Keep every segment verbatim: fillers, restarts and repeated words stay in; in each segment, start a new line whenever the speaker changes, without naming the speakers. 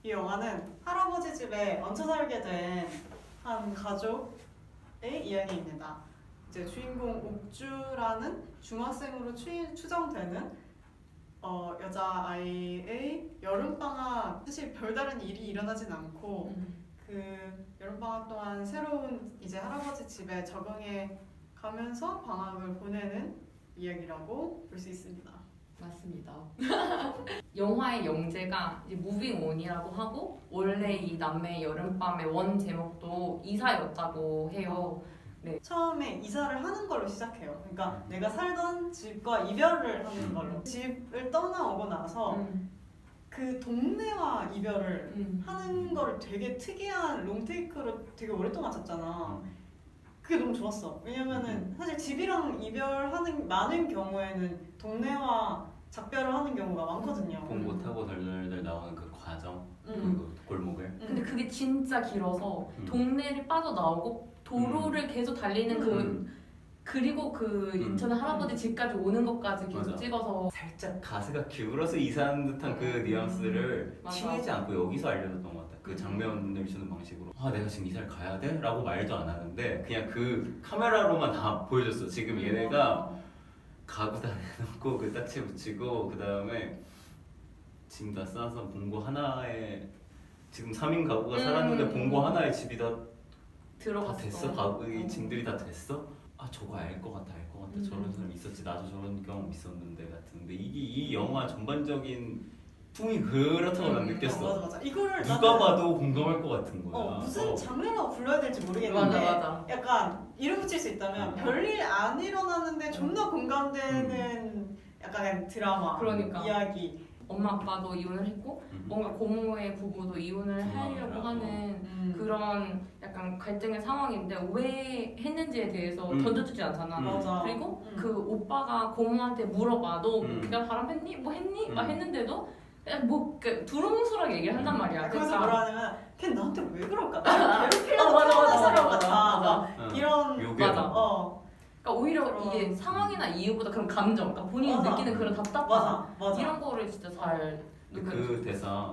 이 영화는 할아버지 집에 얹혀 살게 된 한 가족의 이야기입니다. 이제 주인공 옥주라는 중학생으로 추, 추정되는 어, 여자아이의 여름방학, 사실 별다른 일이 일어나진 않고
음.
그 여름방학 동안 새로운 이제 할아버지 집에 적응해 가면서 방학을 보내는 이야기라고 볼 수 있습니다.
맞습니다. 영화의 영재가 이제 무빙 온이라고 하고 원래 이 남매의 여름밤의 원 제목도 이사였다고 해요.
처음에 이사를 하는 걸로 시작해요. 그러니까 내가 살던 집과 이별을 하는 걸로. 집을 떠나오고 나서
음.
그 동네와 이별을
음.
하는 거를 되게 특이한 롱테이크로 되게 오랫동안 쳤잖아. 그게 너무 좋았어. 왜냐면은 사실 집이랑 이별하는 많은 경우에는 동네와 작별을 하는 경우가 많거든요.
봉고 타고 덜덜덜 나오는 그 과정,
음.
그 골목을.
음.
근데 그게 진짜 길어서
음.
동네를 빠져나오고 도로를 계속 달리는 그
음.
그리고 그
음.
인천의 할아버지 집까지 오는 것까지 계속
맞아.
찍어서
살짝 가스가 기울어서 이사하는 듯한 그
음.
뉘앙스를
맞아.
티내지 않고 여기서 알려줬던 것 같아. 그 장면을 주는 방식으로. 아 내가 지금 이사를 가야 돼? 라고 말도 안 하는데 그냥 그 카메라로만 다 보여줬어. 지금 얘네가 가구 다 내놓고 그 딱지 붙이고 그 다음에 짐 다 싸서 봉고 하나에 지금 삼 인 가구가
음.
살았는데 봉고 하나에 집이 다, 다
들어갔어.
됐어? 가구 이
어.
짐들이 다 됐어? 아 저거 알 것 같아 알 것 같아
음.
저런 사람 있었지 나도 저런 경험 있었는데 같은데 이게 이 영화 전반적인 풍이 그렇다고 난
음.
느꼈어.
어, 맞아 맞아. 이거를
누가
나는
봐도 공감할 것 같은 거야.
어, 무슨
어.
장르라고 불러야 될지 모르겠는데
맞아 맞아.
약간 이름 붙일 수 있다면
음.
별일 안 일어나는데 존나 공감되는 약간 드라마
그러니까.
이야기.
엄마 아빠도 이혼을 했고
음.
뭔가 고모의 부부도 이혼을 하려고
음.
하는
음.
그런 약간 갈등의 상황인데 왜 했는지에 대해서
음.
던져주지 않잖아.
음.
맞아.
그리고
음.
그 오빠가 고모한테 물어봐. 너
음.
그냥 바람했니? 뭐 했니?
음.
막 했는데도 그냥 뭐 그, 두루뭉술하게 얘기를 한단
음.
말이야.
그래서
그러니까
뭐라 하냐면 걔 나한테 왜 그럴까? 나 괴롭히려고
어, 맞아,
태어난
맞아,
사람
맞아,
같아.
맞아.
막
응.
이런
요괴.
맞아.
어
그러니까 오히려
그런-
이게 상황이나 이유보다 그런 감정, 그러니까 본인이
맞아.
느끼는 그런 답답함
맞아 맞아.
이런 거를 진짜 잘
근데 그 대사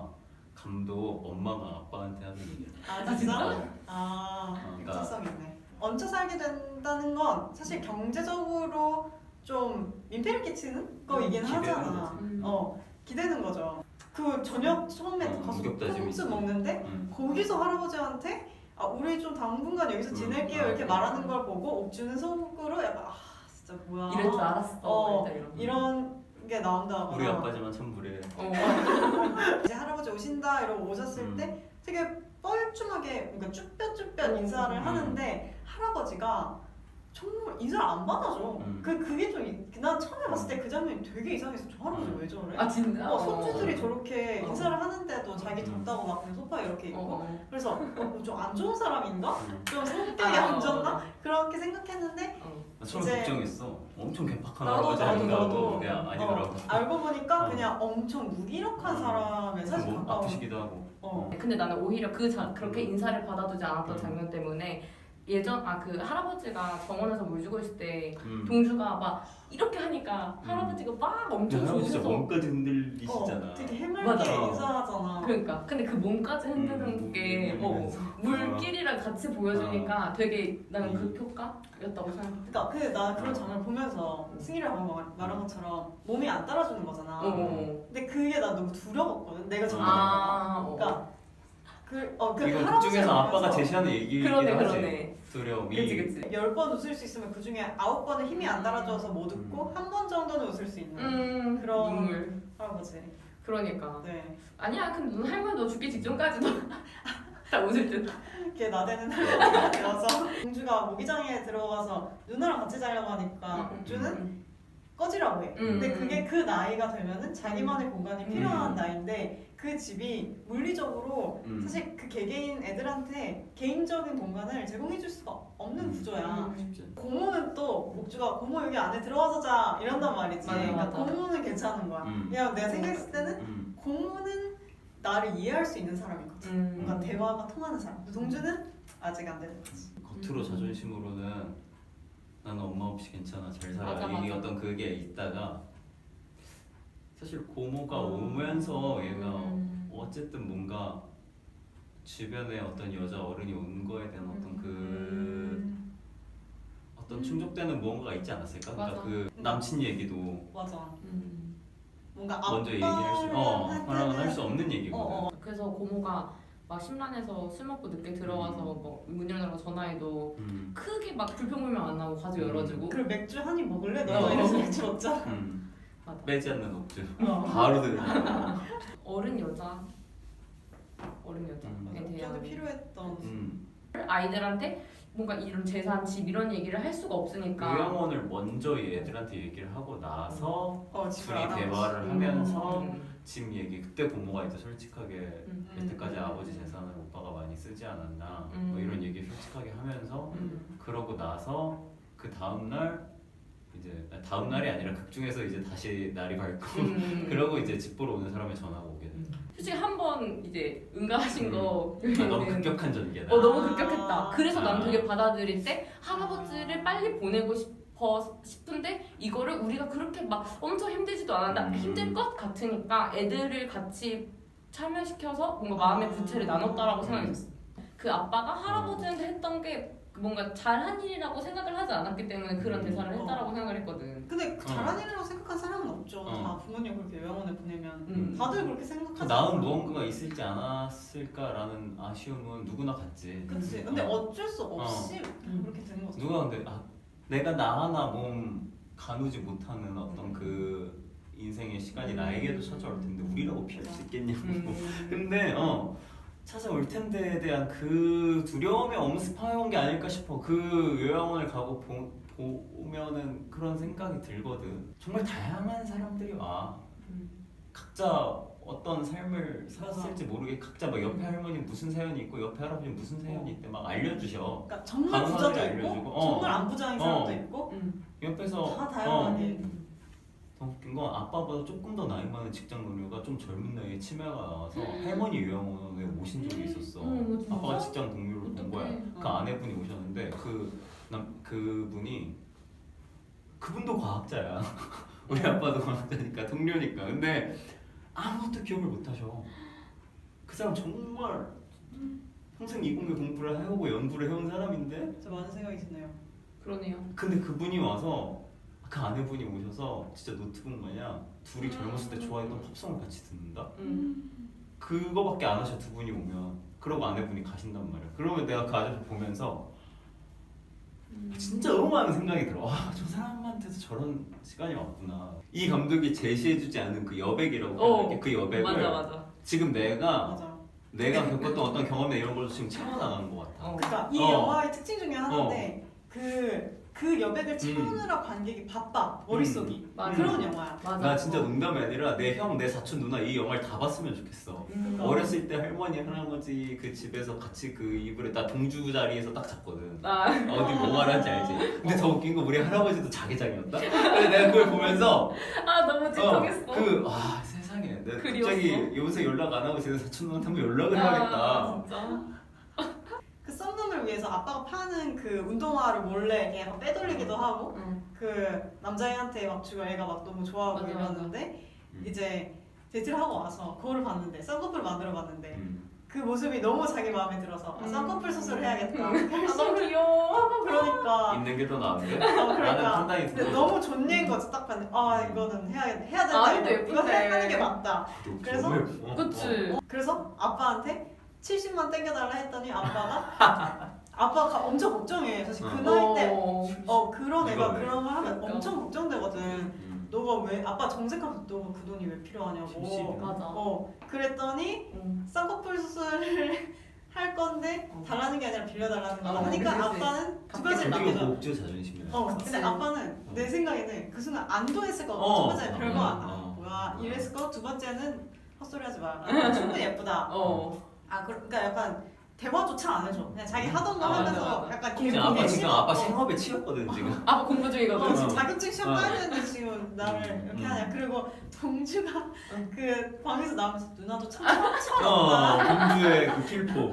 감독 엄마가 아빠한테 하는 얘기야.
아 진짜?
어.
아
어, 그러니까-
일차성 있네. 얹혀 살게 된다는 건 사실 경제적으로 좀 민폐를 끼치는 거이긴
기대는
하잖아.
거지.
음.
어 기대는 거죠. 그 저녁 처음에
어,
가서
무겁다짐이
콩국수
있지.
먹는데
응.
거기서 할아버지한테 아 우리 좀 당분간 여기서
음,
지낼게요
아,
이렇게
음.
말하는 걸 보고 옥주는 속으로 약간 아 진짜 뭐야
이럴 줄 알았어.
어,
일단 이런.
이런 게 나온다거나
우리 아빠지만 참 무례해.
어.
이제 할아버지 오신다 이러고 오셨을
음.
때 되게 뻘쭘하게 그러니까 쭈뼛쭈뼛
음.
인사를
음.
하는데 할아버지가 정말 인사를 안 받아줘.
음.
그 그게 좀 난 처음에 봤을 때 그 장면이 되게 이상해서 저 할아버지
음.
왜 저래?
아 진짜?
어, 손주들이 저렇게
어.
인사를 하는데도 자기
음.
덥다고 막 그냥 소파에 이렇게 있고
어.
그래서 어, 좀 안 좋은 사람인가?
응.
좀 성격이
아,
안
어.
좋나? 그렇게 생각했는데
어.
나 처음
이제-
걱정했어. 엄청 개팍한
나도
할아버지
나도
아닌가
나도
하고 그냥 아니더라고.
어, 알고 보니까
어.
그냥 엄청 무기력한
어.
사람에 사실
뭐
가까운
아프시기도 하고.
어.
근데 나는 오히려 그 자, 그렇게
음.
인사를 받아두지 않았던
음.
장면 때문에 예전 아 그 할아버지가 정원에서 물 주고 있을 때
음.
동주가 막 이렇게 하니까
음.
할아버지가 막
근데
엄청
할아버지 진짜
좋으셔서
몸까지 흔들리시잖아.
어, 되게 해맑게
맞아.
인사하잖아.
그러니까 근데 그 몸까지 흔드는
음,
게 어,
흔들리면서.
물길이랑 같이 보여주니까 되게 나는 그 효과였다고 생각해.
그러니까 그 나 그런 장면을 보면서 승희랑 방금 말- 말한 것처럼 몸이 안 따라주는 거잖아.
어.
근데 그게 나 너무 두려웠거든. 내가 잘못된 거.
아, 어.
그러니까 그, 어, 그
이건
할아버지를
그중에서 아빠가
보면서
제시하는 얘기이긴
그러네
하지.
그러네.
두려움이.
그치 그치.
열 번 웃을 수 있으면 그 중에 아홉 번은 힘이 안 따라줘서 못 웃고 한 번 정도는 웃을 수 있는
음
그런-
눈물.
할아버지.
그러니까.
네.
아니야 근데 넌 할머니 너 죽기 직전까지도 다 웃을 듯.
이렇게 나대는 할머니가 되어서 공주가 모기장에 들어가서 누나랑 같이 자려고 하니까
음,
공주는
음.
꺼지라고 해.
음.
근데 그게 그 나이가 되면은 자기만의 공간이 필요한
음.
나이인데 그 집이 물리적으로
음.
사실 그 개개인 애들한테 개인적인 공간을 제공해줄 수가 없는
음.
구조야.
음.
쉽지 않아.
고모는 또 목주가 고모 여기 안에 들어와서 자 이런단 말이지.
맞아,
그러니까
맞아.
고모는 괜찮은 거야.
음.
그냥 내가 생각했을 때는
음.
고모는 나를 이해할 수 있는 사람이거든.
음.
뭔가 대화가 통하는 사람. 근데 동주는 아직 안 되는 거지.
겉으로 자존심으로는 나는 엄마 없이 괜찮아 잘 살아
맞아,
이
맞아.
어떤 그게 있다가 사실 고모가
음.
오면서 얘가
음.
어쨌든 뭔가 주변에 어떤 여자 어른이 온 거에 대한 어떤 그
음.
어떤 충족되는 무언가가 있지 않았을까? 그러니까
맞아.
그 남친 얘기도
맞아.
음.
뭔가
먼저 얘기할 수, 어,
아빠한테는-
하랑은 할 수 없는 얘기거든.
어, 어.
그래서 고모가 막 심란해서 술 먹고 늦게 들어와서 뭐 문 열라고 전화해도
음.
크게 막 불평불명 안 하고 가지고
음.
열어주고.
그리고 맥주 한 입 먹을래?
어.
너도 이래서 맥주 먹자.
음.
맞아.
빼지 않는 억지.
어.
바로 들으잖아.
어른 여자, 어른 여자에
음.
저도
대한
필요했던.
음.
아이들한테 뭔가 이런 재산, 집 이런 얘기를 할 수가 없으니까.
요양원을 먼저 얘들한테 얘기를 하고 나서
어, 집을
둘이
알아보지.
대화를
음.
하면서
음.
집 얘기. 그때 부모가 이제 솔직하게
음.
여태까지
음.
아버지 재산을 오빠가 많이 쓰지 않았나
음.
뭐 이런 얘기 솔직하게 하면서
음.
그러고 나서 그 다음 날 이제 아니, 다음 날이 아니라 극 중에서 이제 다시 날이 밝고
음.
그러고 이제 집 보러 오는 사람이 전화가 오게 돼.
솔직히 한 번 이제 응가하신 거
아, 너무 급격한 전개다.
어 너무 급격했다. 그래서 난
아.
그게 받아들일 때 할아버지를 빨리 보내고 싶어 싶은데 이거를 우리가 그렇게 막 엄청 힘들지도 않았다.
음.
힘들 것 같으니까 애들을 같이 참여시켜서 뭔가 마음의 부채를 나눴다라고
음.
생각했어. 그 아빠가 할아버지한테 했던 게 뭔가 잘한 일이라고 생각을 하지 않았기 때문에 그런
음.
대사를 했다라고 생각을 했거든.
근데 그 잘한 일이라고 생각한 사람은 없죠.
어.
다 부모님 그렇게 요양원에 보내면
음.
다들 그렇게
더
생각하지.
나은
않아요.
무언가가 있을지 않았을까라는 아쉬움은 누구나 갖지.
그치. 근데
어.
어쩔 수 없이
음.
그렇게 되는 거죠.
누가 근데 아, 내가 나 하나 몸 가누지 못하는 어떤 그 인생의 시간이 나에게도 찾아올 텐데 우리라고 피할 수 있겠냐고.
음.
근데 어 찾아올 텐데에 대한 그 두려움이 엄습해온 게 아닐까 싶어. 그 요양원을 가고 보, 보면은 그런 생각이 들거든. 정말 다양한 사람들이 와.
음.
각자 어떤 삶을 살았을지 모르게 각자 막 옆에 할머니 무슨 사연이 있고 옆에 할아버지 무슨 사연이 있대 막 알려주셔.
그러니까 정말
가능한
부자도
사람이
있고
알려주고, 어.
정말 안 부자인 사람도
어.
있고
음.
옆에서
다 다양하게.
음.
더 웃긴 건 아빠보다 조금 더 나이 많은 직장 동료가 좀 젊은 나이에 치매가 나와서
음.
할머니 요양원에 오신 적이 있었어.
음, 진짜?
아빠가 직장 동료를 본 거야.
어떡해.
그 아내분이 오셨는데 그 남 그분이 그분도 과학자야. 우리 아빠도 과학자니까 동료니까. 근데 아무것도 기억을 못 하셔. 그 사람 정말 평생 이공계 공부를 해오고 연구를 해온 사람인데
진짜 많은 생각이 드네요.
그러네요.
근데 그분이 와서 그 아내분이 오셔서 진짜 노트북 마냥 둘이 젊었을 때 좋아했던 팝송을 같이 듣는다?
음.
그거밖에 안 하셔 두 분이 오면. 그러고 아내분이 가신단 말이야. 그러면 내가 그 아저씨 보면서
음.
진짜 너무 많은 생각이 들어. 와, 저 사람한테도 저런 시간이 왔구나. 이 감독이 제시해주지 않은 그 여백이라고
어,
표현할게. 그 여백을
맞아 맞아.
지금 내가
맞아.
내가 겪었던 어떤 경험이나 이런 걸 지금 채워나가는 것 같아.
어.
그러니까 이
어.
영화의 특징 중에 하나인데 그, 그 여백을 채우느라 관객이 바빠 머릿속이
맞아.
그런 영화야.
맞아.
나 진짜 농담이 아니라 내 형, 내 사촌, 누나 이 영화를 다 봤으면 좋겠어.
음.
어렸을 때 할머니, 할아버지 그 집에서 같이 그 이불에 나 동주 자리에서 딱 잤거든.
아.
어디 뭐 말하는지 알지? 근데 더 웃긴 거 우리 할아버지도 자기장이었다? 근데 내가 그걸 보면서
아 너무 찌통했어.
그, 아 세상에 내가
그리웠어?
갑자기 요새 연락 안 하고 지금 사촌 누나한테 한번 연락을 해야겠다.
아, 진짜.
그 썸남을 위해서 아빠가 파는 그 운동화를 몰래 이렇게 약간 빼돌리기도 하고
응.
그 남자애한테 막 주고 애가 막 너무 좋아하고
맞아,
이러는데
음.
이제 데이트를 하고 와서 그거를 봤는데 쌍꺼풀 만들어 봤는데
음.
그 모습이 너무 자기 마음에 들어서 아,
음.
쌍꺼풀 수술을 해야겠다
아 너무
결심을
귀여워.
하고 그러니까
있는 게 더 나은데?
어,
나는
그러니까
판단이
근데
들어.
너무 존예인 거지 딱 봤는데 아 이거는 해야 해야 된다
아직도
이거, 이거
예쁜데.
하는 게 맞다 그래서-
어,
그치.
그래서 아빠한테 칠십만 땡겨달라 했더니 아빠가 아빠가 엄청 걱정해 사실 그 나이 때
어.
어 그런 애가
이거 왜?
그런 걸 하면
그러니까.
엄청 걱정되거든.
음.
너가 왜 아빠 정색하면서 너가 그 돈이 왜 필요하냐고.
칠십이면?
맞아.
어 그랬더니
응.
쌍꺼풀 수술을 할 건데
어.
달라는 게 아니라 빌려달라는 거야.
어,
하니까
그치,
아빠는 두
갚겠다.
가지를
그리고
남겨줘.
목주 자존심이야.
어 근데
그치.
아빠는 내 생각에는 그 순간 안도했을 것 같아.
어.
첫 번째는 별거 안 하.
어.
뭐야 이랬을 거. 두 번째는 헛소리하지 마. 아, 충분히 예쁘다.
어.
아 그- 그러니까 약간 대화조차 안 해줘. 그냥 자기 하던 거
아,
하면서
맞아, 맞아.
약간
지금
걔
아빠
보기
지금
싫어.
아빠
어.
생업에 치였거든 지금.
아빠 공부 중이거든.
어, 지금
어.
자격증 시험
어.
따는데 지금 나를
음,
이렇게
음.
하냐. 그리고 동주가
응.
그 방에서 나오면서 누나도 참
어,
철없다.
공주의 그 필포.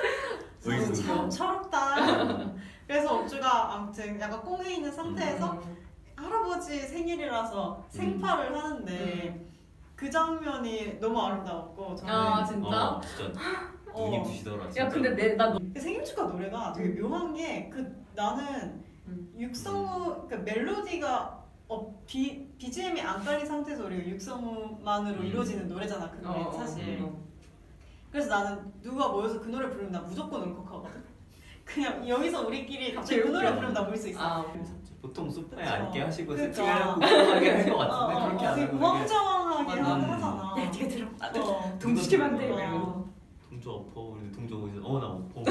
참
어이구.
철없다. 그래서 옥주가 아무튼 약간 꽁에 있는 상태에서
음.
할아버지 생일이라서 생파를 하는데
음.
그 장면이 너무 아름다웠고 저는
아 진짜?
어, 진짜
어.
눈이 부시더라. 진짜.
야 근데 내 나 너.
그 생일 축하 노래가 되게 묘한 게 그 나는
음.
육성우 그 멜로디가 어, 비, 비지엠이 안 깔린 상태에서 우리가 육성우만으로
음.
이루어지는 노래잖아 그 노래
어,
사실.
어.
그래서 나는 누가 모여서 그 노래 부르면 나 무조건 울컥하거든. 그냥 여기서 우리끼리 갑자기 그
웃겨.
노래 부르면 나 울 수 있어.
아
보통 소파에
그쵸.
앉게 하시고
그쵸.
세팅하고 궁금하게 할 것 같은데
어,
그렇게
어,
안
되게
하고 되게
우왕좌왕하게
맞아.
하- 하잖아.
야 뒤에 들어. 아,
어.
동시키면 안 돼.
어.
이러면서.
동조 엎어 근데 동조 거기서 어나 엎어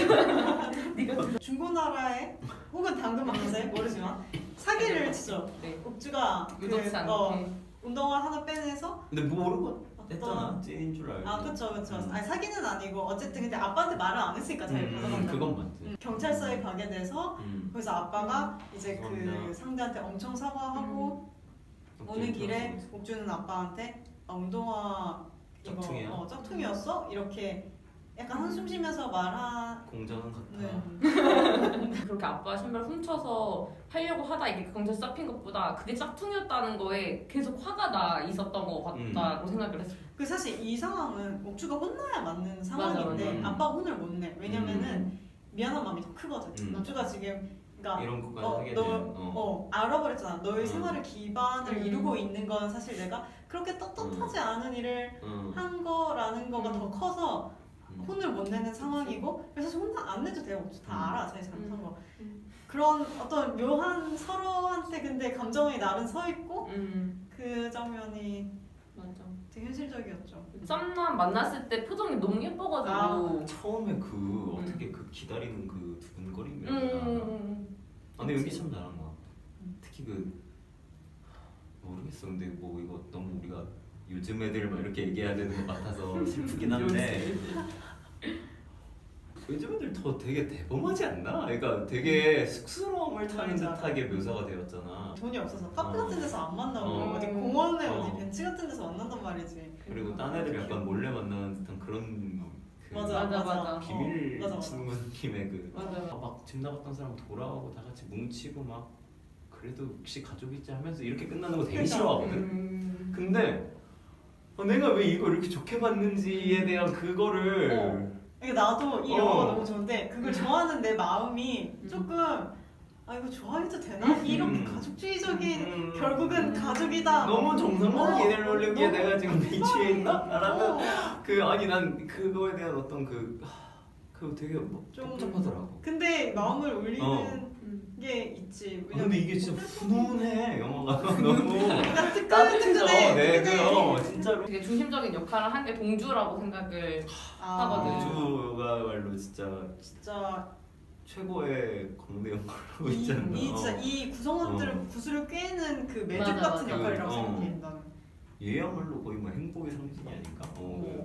네가
중고나라에 혹은 당근마켓에 모르지만 사기를 치죠.
네.
옥주가
의도치 않게.
어, 운동화 하나 빼내서
근데 모르고
어떤
했잖아 찐인 줄 알고
아 그쵸 그쵸.
음.
아니 사기는 아니고 어쨌든 근데 아빠한테 말을 안 했으니까 잘
음,
가져간다.
그건 맞지
음, 경찰서에 가게 돼서
음.
그래서 아빠가 이제 그
죄송합니다.
상대한테 엄청 사과하고 오는 길에 옥주는 아빠한테 아, 운동화 이거
짝퉁이야?
어, 짝퉁이었어? 이렇게 약간 한숨 쉬면서 말하.
공정한 같아
네.
그렇게 아빠 신발 훔쳐서 팔려고 하다 이게 경찰 잡힌 것보다 그게 짝퉁이었다는 거에 계속 화가 나 있었던 것 같다고 생각을 했어.
그 사실 이 상황은 옥주가 혼나야 맞는 상황인데
맞아.
아빠가 혼을 못 내. 왜냐면은 미안한 마음이 더 크거든.
음.
옥주가 지금 그러니까
이런 것까지
어,
하게
너,
되면
어.
어.
알아버렸잖아. 너의
어.
생활의 기반을
음.
이루고 있는 건 사실 내가 그렇게 떳떳하지 않은 일을
어.
한 거라는 거가
음.
더 커서
음.
혼을 못 내는 상황이고 그래서 사실 혼나 안 내도 돼요. 옥주 다
음.
알아. 자기 잘못한 거.
음.
그런 어떤 묘한 서로한테 근데 감정이 나름 서 있고
음
그 장면이
맞아.
되게 현실적이었죠.
썸남 만났을 때 표정이 너무 예뻐가지고.
아.
처음에 그 어떻게 그 기다리는 그 두근거림이야
음.
아, 근데 연기 참 잘한 것 같아. 특히 그 모르겠어. 근데 뭐 이거 너무 우리가 요즘 애들 막 이렇게 얘기해야 되는 것 같아서 슬프긴 한데 요즘 애들 더 되게 대범하지 않나? 그러니까 되게 쑥스러움을 타는
맞아.
듯하게 묘사가 되었잖아.
돈이 없어서 카페
어.
같은 데서 안 만나고
어.
어디 공원에
어.
어디 벤치 같은 데서 만난단 말이지.
그리고 딴 애들 약간 몰래 만나는 듯한 그런 그
맞아
맞아,
맞아.
맞아.
비밀
어, 맞아, 맞아.
친구 느낌의 그
맞아.
막 집 나갔던 사람 돌아오고 다 같이 뭉치고 막 그래도 혹시 가족이지 하면서 이렇게 끝나는 거 되게
그러니까.
싫어하거든.
음.
근데 어, 내가 왜 이걸 이렇게 좋게 봤는지에 대한 그거를
어. 그러니까 나도 이 영화가
어.
너무 좋은데 그걸 좋아하는 내 마음이
음.
조금 아 이거 좋아해도 되나? 이렇게
음.
가족주의적인
음.
결국은 가족이다.
너무 정상적인
어.
얘네를 놀리기에
너무
내가 지금 이치에 있나? 라는
어.
그 아니 난 그거에 대한 어떤 그 그 되게 뭐
좀-
복잡하더라고.
근데 마음을 울리는
어.
음.
게 있지.
아, 근데 이게 진짜 훈훈해 영화가 너무
그러니까
따뜻해져.
뜨끈뜨끈해.
네, 그
뜨끈해.
어, 진짜로.
되게 중심적인 역할을 한 게 동주라고 생각을.
아,
하거든.
우주가 말로 진짜
진짜
최고의 광대 역할로
이,
있지 않나.
이 진짜 이 구성원들을
어.
구슬을 꿰는 그 매듭
맞아,
같은
맞아.
역할이라고
어.
생각해 나는.
얘야말로 거의 뭐 행복의 상징이 아닌가. 어.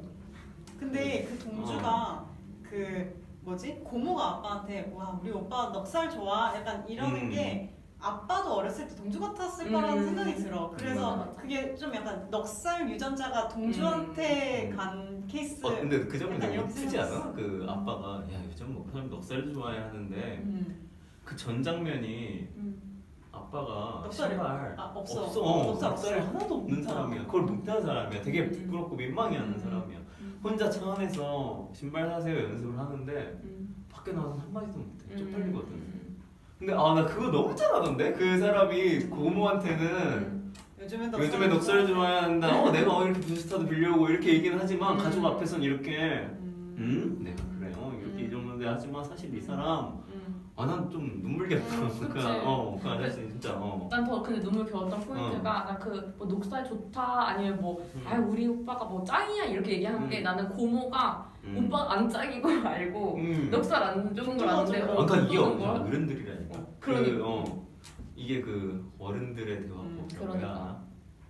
근데 그 동주가 그 뭐지 고모가 아빠한테 와 우리 오빠 넉살 좋아 약간 이러는
음.
게 아빠도 어렸을 때 동주 같았을
음.
거라는 생각이 들어. 그래서
맞아, 맞아.
그게 좀 약간 넉살 유전자가 동주한테
음.
간 케이스.
어 근데 그 장면
약간
되게
이렇게
예쁘지
생각했어.
않아? 그 아빠가 야 요즘 뭐 사람 넉살 좋아해 하는데
음.
그 전 장면이
음.
아빠가
넉살이-
신발
아, 없어.
없어
어,
넉살,
넉살
넉살이
없어.
하나도 없는
어.
사람이야. 그걸 못하는 사람이야. 되게
음.
부끄럽고 민망해하는
음.
사람이야.
음.
혼자 차 안에서 신발 사세요 연습을 하는데
음.
밖에 나와서 한 마디도 못해.
음.
쪽팔리거든.
음.
근데 아 나 그거 너무 잘하던데 그 사람이 고모한테는
음.
요즘엔 넉살
요즘에 넉살을 좋아해야 한다. 어 내가 어, 이렇게 부스타도 빌려오고 이렇게 얘기는 하지만
음.
가족 앞에선 이렇게
음.
음 내가 그래요 이렇게
음.
이 정도인데 하지만 사실 이 사람
음.
아 난 좀 눈물겼어.
음,
그,
그치.
어, 그 아저씨 진짜 어.
난 더 근데 눈물 겨웠던 포인트가 나 그 뭐 녹살 좋다 아니면 뭐
음.
아 우리 오빠가 뭐 짱이야 이렇게 얘기하는 게
음.
나는 고모가
음.
오빠 안 짱인 걸 알고
음.
넉살 안 좋은 걸 아는데
맞아.
어,
아, 그러니까 이게
어떤
어,
거야?
어른들이라니까.
어,
그,
그러니까.
어, 이게 그 어른들의 대화법.
음,
그러니까.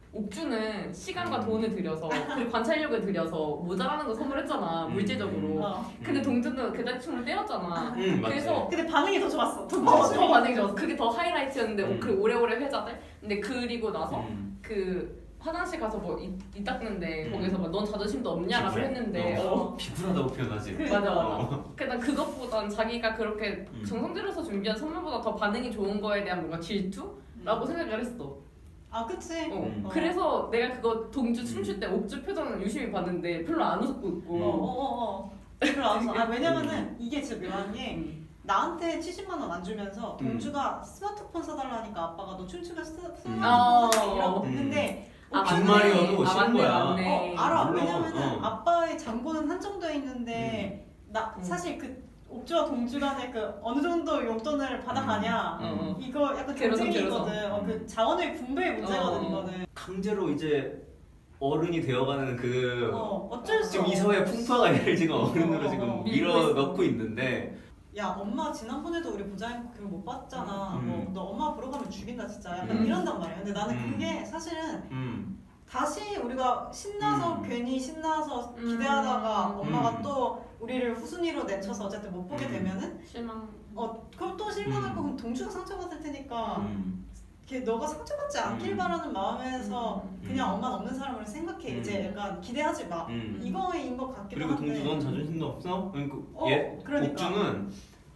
옥주는 시간과
음.
돈을 들여서 그리고 관찰력을 들여서 모자라는 거 선물했잖아
음.
물질적으로.
어.
근데 동주는 그 대충을 때렸잖아.
음, 맞지.
그래서
근데 반응이 더 좋았어.
어, 더 반응이 좋았어. 그게 더 하이라이트였는데
음.
그 오래오래 회자돼. 근데 그리고 나서
음.
그 화장실 가서 뭐이 이 닦는데
음.
거기서 막 넌 자존심도 없냐라고
비굴해.
했는데
어.
어.
비굴하다고 표현하지.
그-
맞아 맞아.
어.
그난 그것보단 자기가 그렇게
음.
정성 들여서 준비한 선물보다 더 반응이 좋은 거에 대한 뭔가 질투라고 생각을 했어.
아 그치.
어.
음.
그래서 내가 그거 동주 춤출 때 옥주 표정을 유심히 봤는데 별로 안 웃고 있고.
어어어. 그럼 알았어. 아 왜냐면은 이게 진짜 묘한 게
음.
나한테 칠십만 원 안 주면서
음.
동주가 스마트폰 사달라니까 아빠가 너 춤추면 스-
음.
스마트폰
아.
사이라고
음.
했는데
아,
빈
옥주는-
말이어도
아,
싫은
맞네,
거야.
맞네.
어 알아.
물론,
왜냐면은
어.
아빠의 잔고는 한정돼 있는데 나
음.
사실 그 옥주와 동주 간의 그 어느 정도 용돈을 받아가냐
어, 어.
이거 약간
괴로서,
경쟁이거든.
괴로서.
어, 그 자원의 분배의 문제거든
어.
이거는.
강제로 이제 어른이 되어가는 그
어 어쩔 수
지금 이
없어.
사회의 풍파가 얘를 지금 어른으로
어,
지금
어, 어.
밀어 넣고 있는데
야 엄마 지난번에도 우리 보자인 교육 못 봤잖아.
음.
뭐 너 엄마 보러 가면 죽인다 진짜. 약간
음.
이런단 말이야. 근데 나는
음.
그게 사실은
음.
다시 우리가 신나서
음.
괜히 신나서
음.
기대하다가 엄마가
음.
또 우리를 후순위로 내쳐서 어쨌든 못 보게
음.
되면은
실망.
어 그럼 또 실망하고
음.
그럼 동주가 상처받을 테니까
음.
걔 너가 상처받지 않길
음.
바라는 마음에서
음.
그냥
음.
엄마는 없는 사람으로 생각해.
음.
이제 약간 기대하지 마.
음.
이거인 것 같기도
그리고
한데.
동주 넌 자존심도 없어? 그러니까
어,
얘
그러니까.
옥주는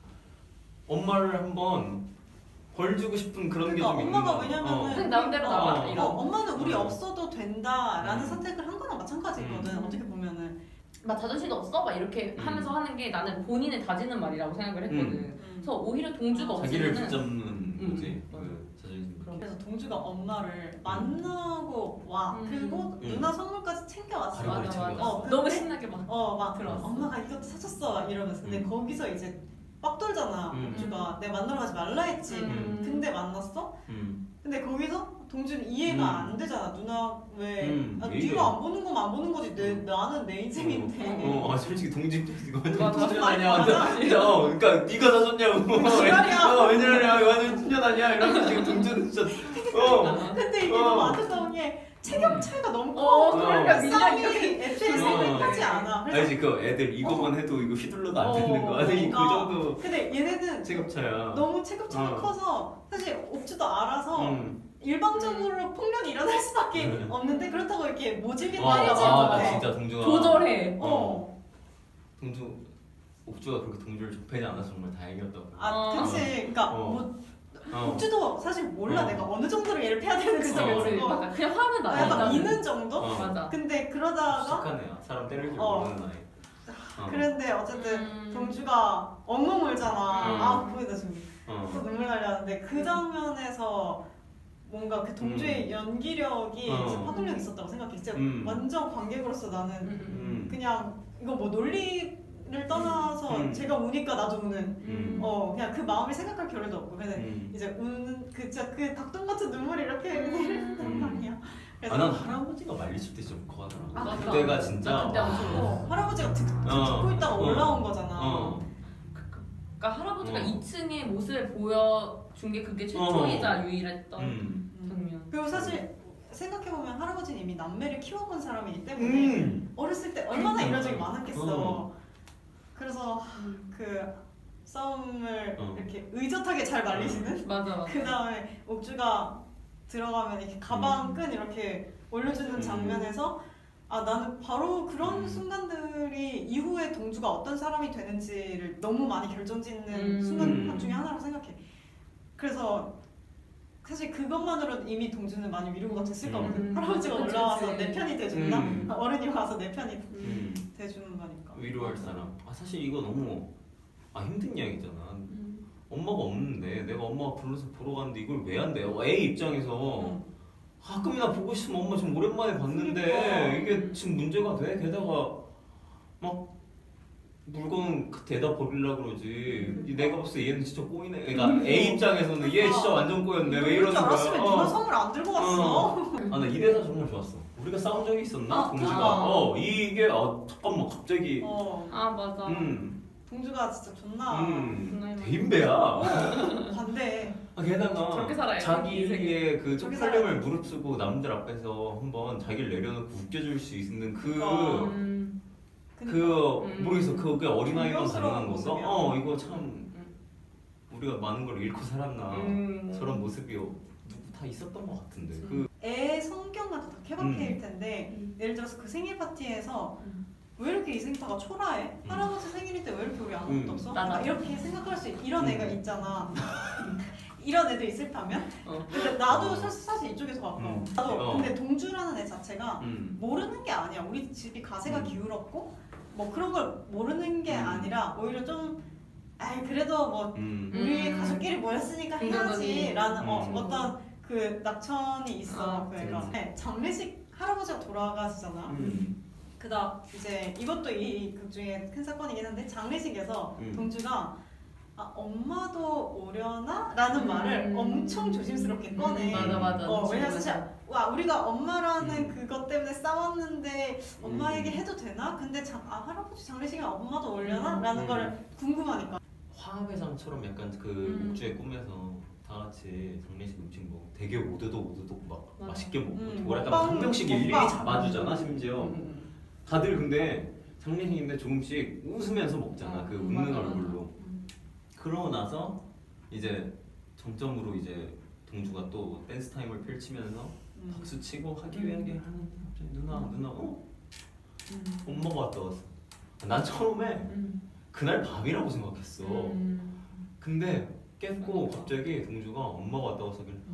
엄마를 한번 벌 주고 싶은 그런
그러니까
게 좀 있는
엄마가
거야.
왜냐면은
어.
그냥 남대로
어,
나와,
어,
이런.
어, 엄마는 우리
음.
없어도 된다라는
음.
선택을 한 거랑 마찬가지거든.
음.
어떻게 보면은.
막 자존심도 없어? 막 이렇게
음.
하면서 하는 게 나는 본인을 다지는 말이라고 생각을 했거든.
음.
그래서 오히려 동주가
자기를
없으면은
붙잡는
음.
거지.
맞아.
그 자존심.
그럼.
그래서 동주가 엄마를 만나고 와.
음.
그리고
음.
누나 선물까지 챙겨왔어.
바로
맞아 맞아.
어, 근데-
너무 신나게 막.
어, 막
들어왔어.
엄마가 이것도 사줬어 이러면서. 근데
음.
거기서 이제 빡 돌잖아.
음.
동주가 내가 만나러 가지 말라 했지.
음.
근데 만났어?
음.
근데 거기서 동주는 이해가
음.
안 되잖아. 누나 왜?
음,
아,
이해가
네가 안 보는 거면 안 보는 거지. 내
음.
나는 내 인생인데.
어, 어, 솔직히 동지 이거 완전
맞아.
춘년
맞아.
아니야? 완전 진짜 어, 그러니까 네가 사줬냐고.
지랄이야.
어, 웬일이야? 완전 춘년 아니야? 이러면서 지금 동주는 진짜 어.
근데 이게
어.
너무 안타까운 게 체격 차이가 너무 커.
어,
그러니까
밀려
싸움이
이렇게.
애초에
어.
생각하지 않아. 그래서
알지 그 애들 이거만 해도 이거 휘둘러도 안 되는 거. 아니 그
그러니까.
정도
근데 얘네는
체급차야.
너무 체격 차이가
어.
커서 사실 옥주도 알아서
음.
일방적으로 폭력이 일어날 수밖에
음.
없는데 그렇다고 이렇게 모질게
아,
때리지
아,
못해.
나 진짜 동주가
조절해.
어.
동주 옥주가 그렇게 동주를 좁히지 않아서 정말 다행이었다고.
아,
어.
그치. 그러니까
어.
뭐
어.
옥주도 사실 몰라.
어.
내가 어느 정도로 얘를 패야 되는지
그쵸,
어.
우리
모르고.
맞아. 그냥 화는 나.
아, 약간
일단은.
미는 정도?
어.
맞아.
근데 그러다가
착한 애야. 사람 때릴 줄
어.
모르는 아이. 어.
그런데 어쨌든
음.
동주가 엉엉 울잖아.
음.
아, 그거에 나 지금
어.
또 눈물 나려는데 그 장면에서 뭔가 그 동주의 연기력이
어.
진짜 파급력이 있었다고 생각해. 진짜
음.
완전 관객으로서 나는
음, 음,
음.
그냥 이거 뭐 논리를 떠나서
음.
제가 우니까 나도 우는
음.
어 그냥 그 마음을 생각할 겨를도 없고 근데
음.
이제 우는 그 진짜 그 닭똥 같은 눈물이 이렇게
음.
내리는 말이야. 그래서
아, 난 할아버지가 말리실 때 진짜 울컥하더라.
아, 맞다.
그때가 진짜
나 그때 엄청
와.
어, 할아버지가 듣, 듣,
어.
듣고 있다가
어.
올라온 거잖아.
어.
그러니까 할아버지가
어.
이 층의 모습을 보여준 게 그게 최초이자 유일했던
음.
음.
장면.
그리고 사실 생각해보면 할아버지는 이미 남매를 키워본 사람이기 때문에
음.
어렸을 때 얼마나 이런 적이 많았겠어.
어.
그래서
음.
그 싸움을
어.
이렇게 의젓하게 잘 말리시는
맞아 맞아.
그 다음에 옥주가 들어가면 이렇게 가방 끈 이렇게 올려주는
음.
장면에서 아 나는 바로 그런
음.
순간들이 이후에 동주가 어떤 사람이 되는지를 너무 많이 결정짓는
음.
순간
음.
중에 하나라고 생각해. 그래서 사실 그것만으로도 이미 동주는 많이 위로가 됐을
음.
거거든.
음.
할아버지가
그치,
올라와서
그치.
내 편이 돼준다.
음.
어른이 와서 내 편이
음.
돼주는 거니까.
위로할 사람. 아 사실 이거 너무 아 힘든 이야기잖아.
음.
엄마가 없는데 내가 엄마가 불러서 보러 갔는데 이걸 왜 한대요? 애 입장에서
응.
가끔이나 보고 싶으면 엄마 지금 오랜만에 봤는데
그러니까.
이게 지금 문제가 돼? 게다가 막 물건 대다 버리려고 그러지.
음.
내가 봤을 때 얘는 진짜 꼬이네. 그러니까 애 입장에서는 얘 진짜 완전 꼬였네. 왜 이러는
줄
거야?
알았으면
어.
누가 선물 안 들고 갔어.
아 나 이 대사 정말 좋았어. 우리가 싸운 적이 있었나?
아,
동주가
아.
어 이게 아 잠깐만 갑자기
어.
아 맞아.
음,
동주가 진짜 존나
음
존나 힘들어.
대인배야.
반대.
아, 게다가
저렇게 살아야 돼, 이
자기의 그
저렇게
쪽팔림을 무릅쓰고 남들 앞에서 한번 자기를 내려놓고 웃겨줄 수 있는 그
그러니까.
음.
그
음.
모르겠어 그게 어린아이만
존경스러운
가능한 건가?
모습이야.
어 이거 참 우리가 많은 걸 잃고 살았나
음.
저런 모습이 누구 다 있었던 것 같은데
그치.
그
애 성격마다 다 케바케일
음.
텐데
음.
예를 들어서 그 생일 파티에서
음.
왜 이렇게 이 생파가 초라해?
음.
할아버지 생일인데 왜 이렇게 우리 아무것도
음.
없어?
맞아.
그러니까 이렇게 생각할 수 있, 이런
음.
애가 있잖아. 이런 애들 있을 파면.
어.
근데 나도
어.
사실, 사실 이쪽에서 가까워.
음.
나도
어.
근데 동주라는 애 자체가
음.
모르는 게 아니야. 우리 집이 가세가
음.
기울었고 뭐 그런 걸 모르는 게
음.
아니라 오히려 좀 아이 그래도 뭐
음.
우리
음.
가족끼리 모였으니까
긍정적인
해야지라는 어,
음.
어떤 그 낙천이 있어.
아,
그 애가.
그치.
네, 장례식 할아버지가 돌아가시잖아.
음.
그다음 이제 이것도 이 극 중에 큰 사건이긴 한데 장례식에서
음.
동주가 아 엄마도 오려나? 라는
음.
말을 엄청 조심스럽게 꺼내.
음, 맞아 맞아.
어, 왜냐면 사실 와 우리가 엄마라는
음.
그것 때문에 싸웠는데 엄마에게
음.
해도 되나? 근데 장, 아 할아버지 장례식에 엄마도 오려나?
음.
라는
음.
거를 궁금하니까.
화합회장처럼 약간 그
음.
옥주의 꿈에서 다 같이 장례식 음식 먹고 되게 오도독 오도독 막
맞아.
맛있게 먹고
음,
뭐랄까
먹방,
한 명씩 일일이
먹방.
잡아주잖아 심지어
음.
다들 근데 장례식인데 조금씩 웃으면서 먹잖아 그
음,
웃는
맞아,
얼굴로
음.
그러고 나서 이제 정점으로 이제 동주가 또 댄스 타임을 펼치면서
음.
박수 치고 하기 위하게 하는데 갑자기 누나 누나 어?
음.
엄마가 왔다 갔어 난 처음에
음.
그날 밤이라고 생각했어
음.
근데 깼고
맞아.
갑자기 동주가 엄마가 왔다고 해서 그냥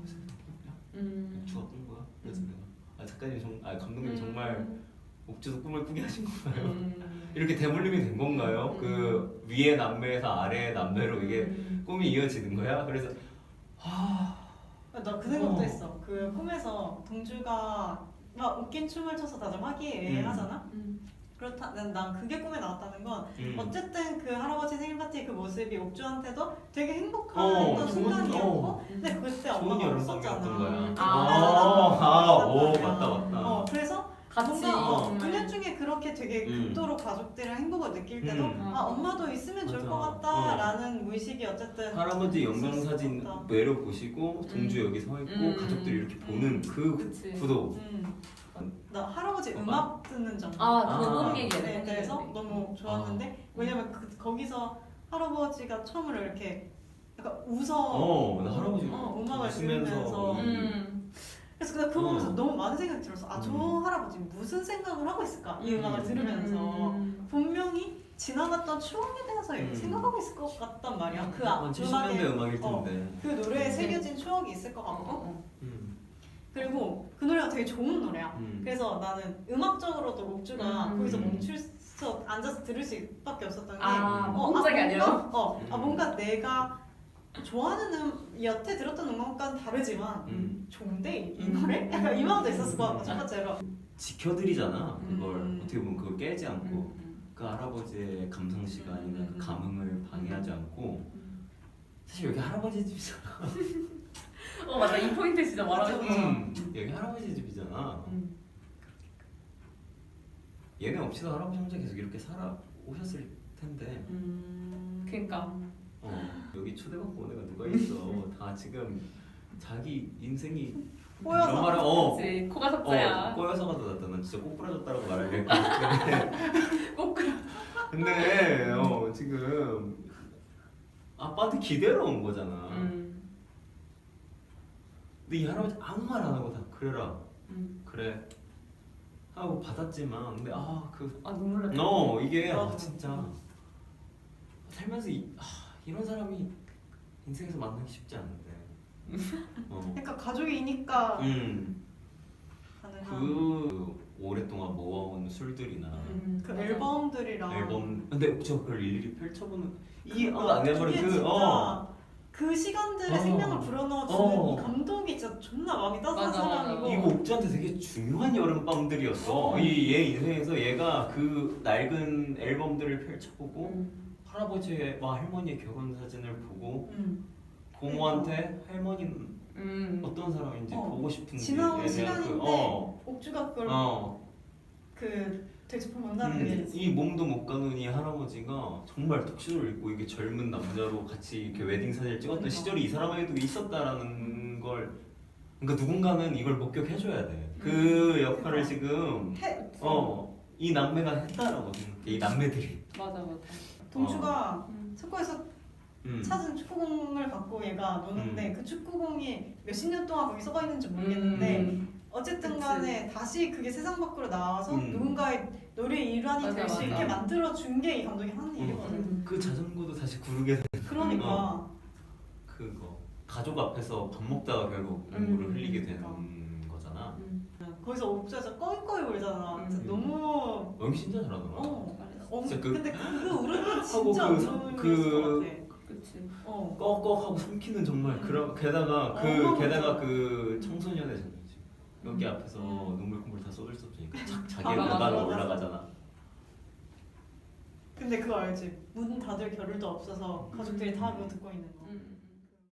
음.
주가 꾼 거야. 그래서
음.
내가 아 작가님 정, 아 감독님
음.
정말 옥주도 꿈을 꾸게 하신 건가요?
음.
이렇게 대물림이 된 건가요?
음.
그 위의 남매에서 아래의 남매로 이게
음.
꿈이 이어지는 거야? 그래서 아
나 그 생각도
어.
했어. 그 꿈에서 동주가 막 웃긴 춤을 춰서 다들 화기애애하잖아.
음.
그렇다, 난, 난 그게 꿈에 나왔다는 건
음.
어쨌든 그 할아버지 생일 파티 그 모습이 옥주한테도 되게 행복한
어,
어떤
좋은-
순간이었고
어.
근데 그때
좋은
엄마가
여름밤이었던
없었잖아.
거야.
음,
아.
아, 오
없었단
맞다
말이야.
맞다.
어, 그래서
같이
뭔가 어,
정말.
일 년 중에 그렇게 되게
음.
극도로 가족들이랑 행복을 느낄 때도
음.
아 엄마도 있으면 좋을
맞아.
것 같다라는 무의식이 어쨌든
할아버지 영상사진
있었다.
내려 보시고 동주
음.
여기 서 있고
음.
가족들이 이렇게 보는 그
그치.
구도.
음. 나 할아버지
엄마?
음악 듣는 장면
아,
아.
그곡 얘기야.
에 대해서 너무 좋았는데 왜냐면 그, 거기서 할아버지가 처음으로 이렇게 약간 웃어
어, 나 할아버지
어, 음악을
웃으면서
들으면서
음.
그래서 그냥 그거 보면서
어.
너무 많은 생각이 들었어. 아, 저
음.
할아버지 무슨 생각을 하고 있을까? 이 음악을
음.
들으면서
음.
분명히 지나갔던 추억에 대해서
음.
생각하고 있을 것 같단 말이야. 그 아,
칠십 년대
음악에
음악일
어.
텐데.
그 노래에
네.
새겨진 추억이 있을 것
어,
같고
어.
음.
그리고 그 노래가 되게 좋은 노래야.
음.
그래서 나는 음악적으로도 옥주가
음.
거기서 멈춰서 앉아서 들을 수밖에 없었던 게
아,
어,
혼자가
아,
아니라?
뭔가, 어, 아,
음.
뭔가 내가 좋아하는 음, 여태 들었던 음악과는 다르지만
음.
좋은데 이
음.
노래? 약간 이 마음도 있었을 것 같고
음.
첫 번째로
지켜드리잖아 그걸
음.
어떻게 보면 그걸 깨지 않고
음.
그 할아버지의 감상 시간이나
음.
그 감흥을 방해하지 않고
음.
사실 여기 할아버지 집이잖아.
어 맞아 이 포인트 진짜 말하고 싶어.
음. 여기 할아버지 집이잖아.
음.
얘네 없이도 할아버지 혼자 계속 이렇게 살아 오셨을 텐데.
음.
그러니까.
어 여기 초대받고 온 애가 누가 있어? 다 지금 자기 인생이
꼬여서.
이런 말을 어.
그치 코가
어,
석자야.
꼬여서가 더 낫다. 난 진짜 꼭 부러졌다라고 말을 했거든.
꼭 그래.
근데 어, 지금 아빠한테 기대로 온 거잖아.
음.
근데 이 할아버지 아무 말 안 하고 다 그래라.
음.
그래 하고 받았지만 근데 아그
아 눈물 나.
너 이게 아,
나도.
진짜 살면서 이, 아, 이런 사람이 인생에서 만나기 쉽지 않은데. 어.
그러니까 가족이니까
음.
가능한
그 오랫동안 모아온 술들이나
음.
그
맞아.
앨범들이랑
앨범 근데 저 그걸 일일이 펼쳐보는 이
그거,
어, 안내버린
그게
그
진짜
어.
그 시간들의
어.
생명을 불어넣어주는
어.
이 감독이 진짜 존나 마음이 따뜻한
맞아, 맞아.
사람이고
이거 옥주한테 되게 중요한 여름밤들이었어.
어.
이 얘 인생에서 얘가 그 낡은 앨범들을 펼쳐보고
음.
할아버지와 할머니의 결혼 사진을 보고
음.
고모한테 할머니는
음.
어떤 사람인지
어.
보고 싶은지
지나온 시간인데
어.
옥주가 그걸
어.
그 되짚어본다는
음,
게
이 몸도 못 가는 이 할아버지가 정말 턱시도를 입고 이게 젊은 남자로 같이 이렇게 웨딩 사진을 찍었던
그러니까.
시절이 이 사람에게도 있었다라는 걸 그러니까 누군가는 이걸 목격해줘야 돼. 그 역할을
그러니까.
지금
해,
어 이 남매가 했다라고 생각해. 이 남매들이.
맞아 맞아.
동주가
음.
축구에서
음.
찾은 축구공을 갖고 얘가 노는데
음.
그 축구공이 몇십 년 동안 거기 썩어 있는지 모르겠는데
음.
어쨌든
그치.
간에 다시 그게 세상 밖으로 나와서
음.
누군가의 노래의 일환이
맞아,
될 수
맞아.
있게 만들어 준 게 이 감독이 하는 일이거든.
음.
그 자전거도 다시 구르게 된
그러니까
어. 그거 가족 앞에서 밥 먹다가 결국 눈물을
음,
흘리게
그러니까.
되는 거잖아.
음.
거기서 옥주에서 꺼이꺼이 울잖아. 진짜
음.
너무
연기 진짜 잘하더라.
어.
잘했어.
어
진짜 그-
근데 그 울음이 진짜
하고 그 성-
울음이었을
그-
것 같아.
그치.
어.
꺽꺽하고 삼키는 정말 그런 게다가 그
음. 어,
게다가
맞아.
그 청소년의 장면이지. 여기
음.
앞에서
음.
눈물 콧물 다 쏟을 수 없으니까 자,
아,
자기의
맞아,
골반으로
맞아.
올라가잖아.
근데 그거 알지? 문 닫을 겨를도 없어서 가족들이 다 그거 듣고 있는 거.
음.